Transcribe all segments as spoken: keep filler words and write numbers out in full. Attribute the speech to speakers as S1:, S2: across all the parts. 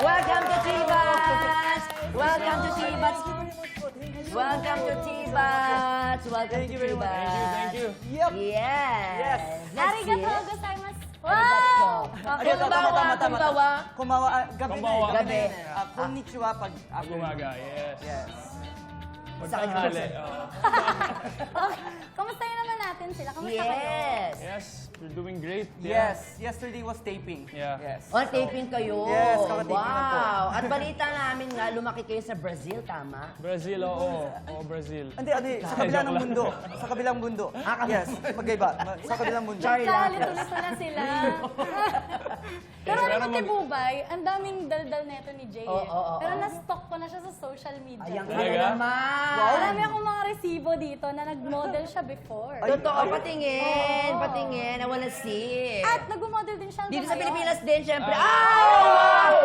S1: Welcome to Chibats! Welcome to Chibats! Welcome to Chibats! Welcome
S2: Thank
S1: to
S2: you very much.
S1: Chibats!
S2: Thank you, thank you.
S1: Yep.
S2: Yes.
S1: Yes. Next
S3: Arigatou
S1: year.
S3: gozaimasu.
S1: Arigato.
S3: Wow!
S2: Arigato, tama, tama, tama.
S1: Kumbawa.
S2: Kumawa, ah, gabi na
S4: Kumbawa.
S2: eh, gabi.
S1: Gabi.
S2: na eh. Ah, konnichiwa pag afternoon.
S4: Umaga, yes.
S2: Yes.
S4: Pagtanghali, oo.
S3: Okay. Kamustahin naman natin sila? Kamusta kayo?
S1: Yes.
S4: Yes, we're doing great.
S2: Yes. Yesterday was taping.
S4: Yeah.
S2: Yes.
S1: On taping kayo.
S2: Yes, kakataping na po.
S1: Wow. At balita namin nga, lumaki kayo sa Brazil, tama?
S4: Brazil, oo. Oo, Brazil.
S2: Hindi, ano eh, sa kabilang ng mundo. Sa kabilang mundo. Yes, magkaiba. Ma- Sa kabilang mundo.
S1: Char-
S3: Kalito-lito na sila. Pero
S4: Pero
S3: alam mo,
S4: mag-
S3: Tibubay, ang daming daldal neto ni Jay.
S1: Oo,
S3: eh.
S1: oo, oo.
S3: Pero na-stock ko na siya sa social media.
S1: Ayan ka
S4: Talaga?
S1: na naman.
S3: Marami akong mga resibo dito na nag-model siya before.
S1: Totoo, patingin.
S3: Oo.
S1: Patingin. I wanna see.
S3: At nag-model din siya
S1: Dito
S3: hanggang
S1: sa
S3: ngayon.
S1: Pilipinas din, syempre. Ah! Wow!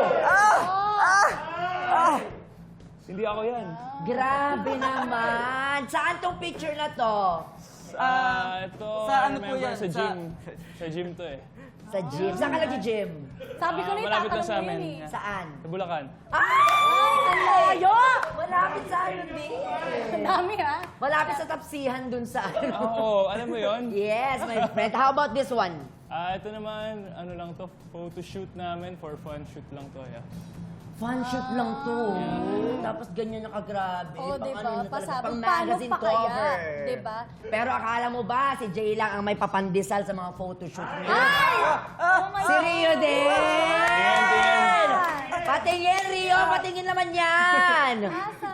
S3: Oh.
S4: Hindi ako yan.
S1: Grabe naman. Saan tong picture na to?
S4: Ah, ito,
S2: sa
S4: I
S2: ano po
S4: remember
S2: yan?
S4: sa
S2: Sa-
S4: gym. Sa gym to eh.
S1: Sa gym. Saan ka nag-gym?
S3: Sabi ko
S4: Ah,
S3: na
S4: malapit lang
S3: itatanong
S4: sa
S3: mo yun
S4: amin.
S3: eh.
S1: Saan?
S4: Sa Bulacan.
S1: Ay! Ang layo! Malapit sa ano din.
S3: Ang dami ha.
S1: Malapit sa tapsihan dun sa ano.
S4: Oo, alam mo yon?
S1: Yes, my friend. How about this one?
S4: Ah, ito naman, ano lang to, photo shoot namin, for fun shoot lang to, yeah.
S1: Fun shoot lang to. Tapos ganyan na kagrabe.
S3: Oo,
S1: Pang
S3: diba?
S1: ano na talaga,
S3: Pasabi,
S1: pang
S3: paano
S1: magazine
S3: pa kaya?
S1: cover.
S3: Diba?
S1: Pero akala mo ba si Jay lang ang may papandesal sa mga photoshoot niya?
S3: Ay! Oh my
S1: Si Rio din!
S4: Tingin, tingin.
S1: Patingin, Rio! Patingin naman yan!
S3: Asa?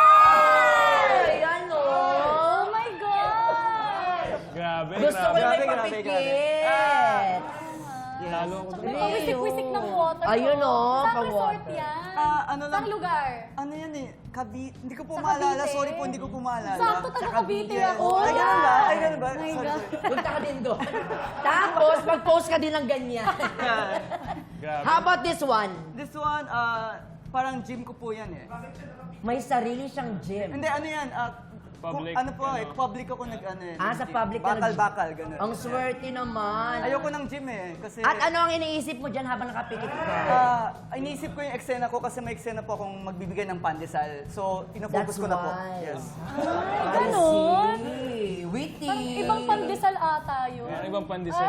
S1: Ay! Ano?
S3: Oh my God!
S4: Grabe,
S1: Gusto ko
S4: grabe.
S1: na may
S2: Grabe, grabe,
S1: papikit.
S4: Talo ako
S3: May
S4: doon.
S3: pawisik-wisik ng water.
S1: Ayun, oh,
S3: Saan
S1: pang
S3: resort
S1: water.
S3: yan?
S2: Ah, ano lang.
S3: Saan lugar?
S2: Ano yan eh? Kabi... Hindi ko po
S3: Sa
S2: maalala.
S3: Cavite.
S2: Sorry po, hindi ko po maalala.
S3: Sakto taga Cavite
S2: Yes.
S3: ako.
S2: Ay, ganun ba? Ay, ganun ba?
S3: Oh my
S2: Sorry,
S3: God.
S2: sorry.
S1: Punta ka din doon. Tapos, mag-post ka din ng ganyan.
S4: Grabe.
S1: How about this one?
S2: This one, ah, parang gym ko po yan eh.
S1: May sarili siyang gym.
S2: Hindi, ano yan? ah,
S4: Public,
S2: kung- ano po eh,
S4: ano?
S2: public ako nag ano eh.
S1: Ah, sa
S2: nag-gym.
S1: public ka nag-
S2: Bakal-bakal, ganun.
S1: Ang swerte naman.
S2: Ayoko ng gym eh. Kasi...
S1: At ano ang iniisip mo dyan habang nakapikit ka?
S2: Ah, iniisip ko yung eksena ko kasi may eksena po akong magbibigay ng pandesal. So,
S1: That's
S2: pinafocus ko na po.
S1: why.
S2: Yes.
S3: Ay, ganun?
S1: See, witty.
S3: Parang ibang pandesal ata yun.
S4: Meron ibang pandesal.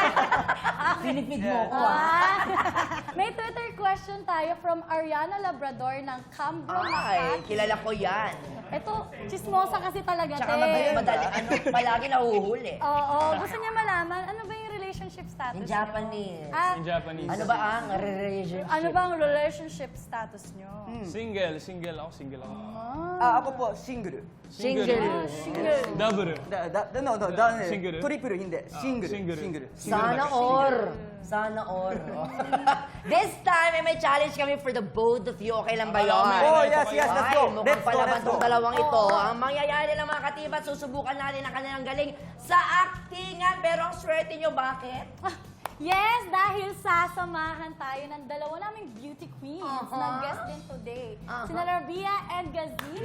S1: Pinipid mo
S2: Yeah.
S1: ko ah.
S3: Ah. May Twitter question tayo from Ariana Labrador ng Cambro,
S1: Ay,
S3: Makati.
S1: kilala ko yan.
S3: Ito, chismosa kasi talaga,
S1: Tsaka
S3: te.
S1: madali, madali, ano, palagi nahuhuli.
S3: Oo, gusto niya malaman, ano ba yung relationship status
S1: In
S3: niyo?
S1: Japanese.
S3: Ah,
S4: In Japanese.
S1: Ano ba ang relationship?
S3: ano ba ang relationship status niyo?
S4: Single, single ako, single ako.
S2: Ah, ako po, single.
S1: Single.
S4: Double.
S2: Da, da, da, no, no, da,
S4: Single?
S2: Triple, hindi. Single.
S4: single.
S2: Single.
S1: Sana or. Sana or. This time, eh, may challenge kami for the both of you. Okay lang ba yun?
S2: Oh, yes, yes, let's go.
S1: Ay, mukhang
S2: Let's go,
S1: palaban
S2: let's go.
S1: tong dalawang ito. Ang mangyayari ng mga katibat, susubukan natin ang kanilang galing sa actingan. Pero ang swerte nyo, bakit?
S3: Ah, yes, dahil sasamahan tayo ng dalawa naming beauty queens
S1: Uh-huh.
S3: na guest din today.
S1: Uh-huh.
S3: Sina Rabia and Gazini.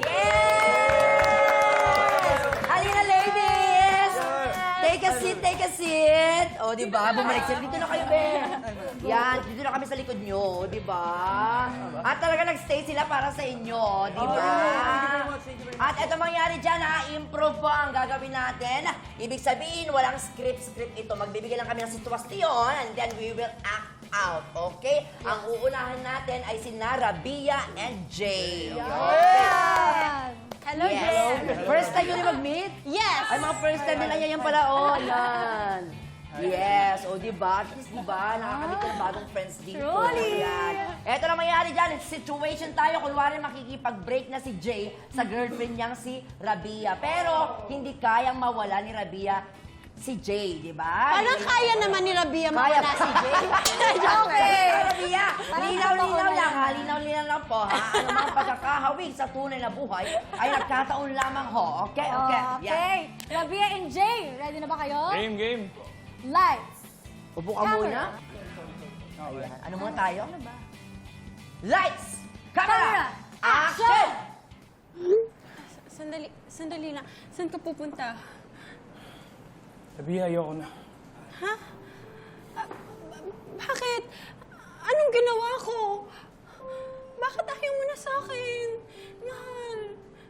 S1: Yes! Halina, ladies! Take a seat, take a seat. O, di ba? Bumalik sila. Dito na kayo, Ben. Yan, dito na kami sa likod nyo, di ba? At talaga nag-stay sila para sa inyo, di ba? At ito mangyari dyan, ha? Improve po ang gagawin natin. Ibig sabihin, walang script-script ito. Magbibigay lang kami ng sitwasyon and then we will act out, okay? Ang uunahan natin ay si Rabia and Jay.
S3: Yan. Hello,
S1: Yes.
S3: Jen.
S1: First time yun mag-meet?
S3: Yes.
S1: Ay, mga first time nila yan pala. Oh, yan. Yes, o oh, diba? At least diba, nakakamit ka ng bagong friends dito.
S3: Truly.
S1: Yan. Eto na mangyari dyan, situation tayo. Kunwari makikipag-break na si Jay sa girlfriend niyang si Rabia. Pero hindi kayang mawala ni Rabia si Jay, di ba?
S5: Parang kaya naman ni Rabia
S1: Kaya
S5: mawala
S1: pa
S5: si Jay.
S3: Okay.
S1: Rabia,
S3: Parang
S1: linaw-linaw
S3: totoo na
S1: lang
S3: yan.
S1: ha, linaw-linaw lang po ha. Ano mga pagkakahawig sa tunay na buhay ay nagkataon lamang ho. Okay, okay. Yan.
S3: Okay. Rabia and Jay, ready na ba kayo?
S4: Game, game.
S3: Lights.
S1: Upo ka
S3: Camera.
S1: muna. Ayan. Ano muna tayo?
S3: Ano ba?
S1: Lights! Camera!
S3: Camera,
S1: Action!
S5: Sandali, sandali lang. Saan ka pupunta?
S4: Sabi, ayoko na.
S5: Ha? Ah, ba- bakit? Anong ginawa ko?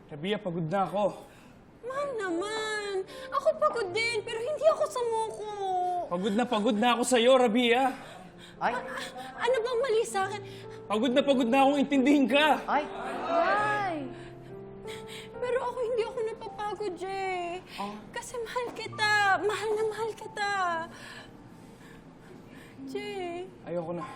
S4: Rabia, pagod na ako.
S5: Mahal naman. Ako pagod din, pero hindi ako sumuko.
S4: Pagod na pagod na ako sa'yo, Rabia.
S1: Ay,
S5: Ano bang mali sa akin?
S4: Pagod na pagod na akong intindihin ka.
S1: ay.
S3: Ay!
S5: Pero ako hindi ako napapagod, Jay. Kasi mahal kita. Mahal na mahal kita. Jay.
S4: Ayoko na.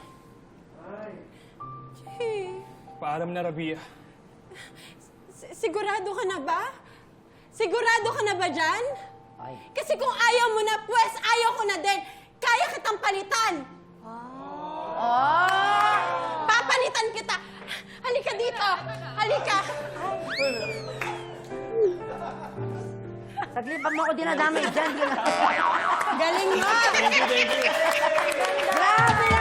S5: Jay.
S4: Paalam na, Rabia.
S5: Si- Sigurado ka na ba? Sigurado ka na ba dyan?
S1: Ay.
S5: Kasi kung ayaw mo na, pues ayaw ko na din. Kaya kitang palitan.
S1: Ah!
S5: Papalitan kita. Halika dito. Halika.
S1: Saglit, pag mo ako dinadamay dyan, di na.
S5: Galing mo.
S4: Thank you, thank you.
S1: Grabe